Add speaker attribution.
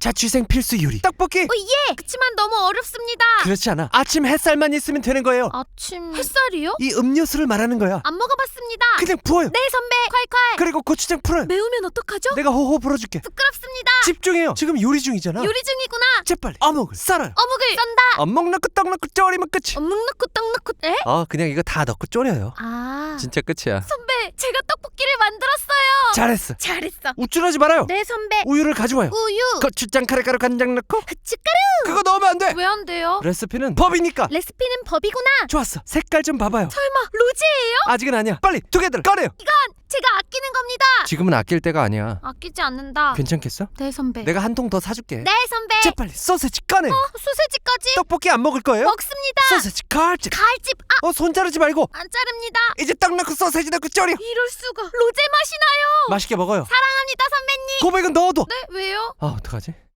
Speaker 1: 자취생 필수 요리 떡볶이.
Speaker 2: 예! 그치만 너무 어렵습니다.
Speaker 1: 그렇지 않아. 아침 햇살만 있으면 되는 거예요.
Speaker 2: 아침 햇살이요?
Speaker 1: 이 음료수를 말하는 거야.
Speaker 2: 안 먹어봤습니다.
Speaker 1: 그냥 부어요.
Speaker 2: 네 선배 콸콸.
Speaker 1: 그리고 고추장 풀어요.
Speaker 2: 매우면 어떡하죠?
Speaker 1: 내가 호호 불어줄게.
Speaker 2: 부끄럽습니다.
Speaker 1: 집중해요. 지금 요리 중이잖아.
Speaker 2: 요리 중이구나.
Speaker 1: 재빨리 어묵을 썰어요.
Speaker 2: 어묵을 썬다.
Speaker 1: 어묵 넣고 떡 넣고 졸이면 끝이.
Speaker 2: 어묵 넣고 떡 넣고 에?
Speaker 1: 그냥 이거 다 넣고 졸여요.
Speaker 2: 아
Speaker 1: 진짜 끝이야.
Speaker 2: 선배 제가 떡볶이를 만들었어요.
Speaker 1: 잘했어.
Speaker 2: 잘했어.
Speaker 1: 우쭐하지 말아요.
Speaker 2: 네 선배.
Speaker 1: 우유를 가져와요.
Speaker 2: 우유.
Speaker 1: 고추장 카레가루 간장 넣고
Speaker 2: 후춧가루.
Speaker 1: 그거 넣으면 안 돼.
Speaker 2: 왜 안 돼요?
Speaker 1: 레시피는 법이니까.
Speaker 2: 레시피는 법이구나.
Speaker 1: 좋았어. 색깔 좀 봐봐요.
Speaker 2: 설마 로제예요?
Speaker 1: 아직은 아니야. 빨리 두 개들 꺼내요.
Speaker 2: 이건 제가 아끼는 겁니다.
Speaker 1: 지금은 아낄 때가 아니야.
Speaker 2: 아끼지 않는다.
Speaker 1: 괜찮겠어?
Speaker 2: 네 선배.
Speaker 1: 내가 한 통 더 사줄게.
Speaker 2: 네 선배.
Speaker 1: 재빨리 소세지 꺼내요.
Speaker 2: 소세지까지
Speaker 1: 떡볶이 안 먹을 거예요?
Speaker 2: 먹습니다.
Speaker 1: 소세지 칼집.
Speaker 2: 가을집
Speaker 1: 손 자르지 말고
Speaker 2: 안 자릅니다.
Speaker 1: 이제 떡 넣고 소세지 넣고 졸여.
Speaker 2: 이럴 수가. 로제 맛이 나요.
Speaker 1: 맛있게 먹어요.
Speaker 2: 사랑합니다 선배님.
Speaker 1: 고백은 넣어도.
Speaker 2: 네 왜요?
Speaker 1: 어떡하지?